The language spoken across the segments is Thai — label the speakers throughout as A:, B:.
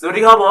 A: วัสดีครับผม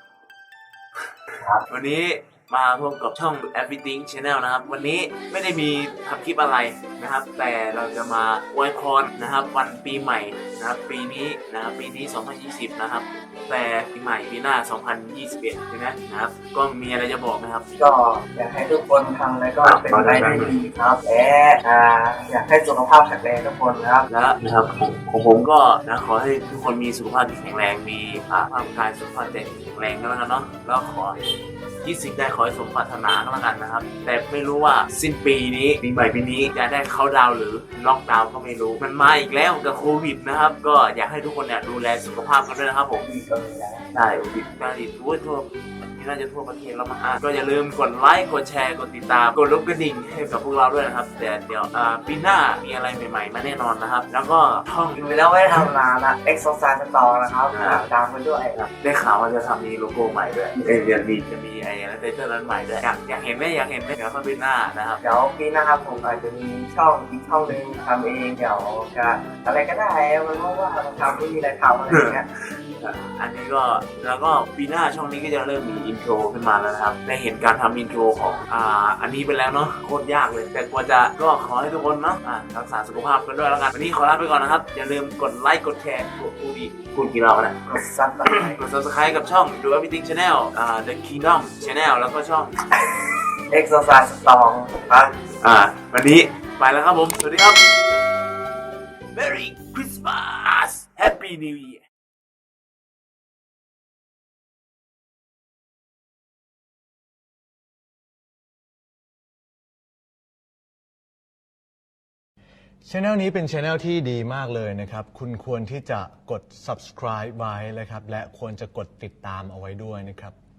A: วันนี้มาพบกับช่อง Everything Channel นะครับวันนี้ไม่ได้มีทำคลิปอะไรนะครับแต่เราจะมาอวยพรนะครับวันปีใหม่นะครับปีนี้2020นะครับแต่ปีใหม่ปีหน้า2021ใช่ไหมนะครับก็มีอะไรจะบอกนะครับ
B: ก็อยากให้ทุกคนทำอะไรก็เป็นไปได้ดีครับและอยากให้สุขภาพแข็งแรงทุกคนครับ
A: และนะครับของผมก็นะขอให้ทุกคนมีสุขภาพที่แข็งแรงมีร่างกายสุขภาพใจแข็งแรงก็แล้วกันเนาะแล้วขอที่สิ่งใดขอให้สมปรารถนาก็แล้วกันนะครับแต่ไม่รู้ว่าสิ้นปีนี้ปีใหม่ปีนี้จะได้เข้าดาวหรือล็อกดาวน์ก็ไม่รู้มันมาอีกแล้วกับโควิดนะครับก็อยากให้ทุกคนเนี่ยดูแลสุขภาพกันด้วยนะครับผมได้โควิดการติดทั่วน่าจะทั่วประเทศแล้วมั้งก็อย่าลืมกดไลค์กดแชร์กดติดตามกดลูกกระดิ่งให้กับพวกเราด้วยนะครับแต่เดี๋ยวปีหน้ามีอะไรใหม่ๆมาแน่นอนนะครับแล้วก็ช่อง
B: อยู่แล้วไม่ทำนานละ Exercise Store นะครับตามกันด้วย
A: ได้ข่าวว่าจะทำมีโลโก้ใหม่ด้วยจะมีไอ้ไทเทอร์นั้นใหม่ด้วยอยากเห็นไหมเดี๋ยวเข้าปีหน้านะครับ
B: เดี๋ยวปีหน้าครับผมอาจจะมีช่องอีกช่องนึงทำเองเดี๋ยวจะอะไรก็ได้มันเพราะว่าเราทำไม่มีอะไรทำอะไรอย่างเงี้ย
A: อันนี้ก็แล้วก็ปีหน้าช่องนี้ก็จะเริ่มมีอินโทรขึ้นมาแล้วนะครับได้เห็นการทำอินโทรของอันนี้ไปแล้วเนาะโคตรยากเลยแต่กว่าจะก็ขอให้ทุกคนเนาะรักษาสุขภาพกันด้วยแล้วกันวันนี้ขอลาไปก่อนนะครับอย่าลืมกดไลค์กดแชร์พูดกี่รอบนะ
B: กด Subscribe
A: กับช่อง Do Everything Channel The Kingdom Channel แล้วก็ช่อง
B: Exercise Store ครับ
A: วันนี้ไปแล้วครับผมสวัสดีครับ Merry Christmas Happy New Year
C: Channel นี้เป็น Channel ที่ดีมากเลยนะครับคุณควรที่จะกด subscribe ไว้นะครับและควรจะกดติดตามเอาไว้ด้วยนะครับ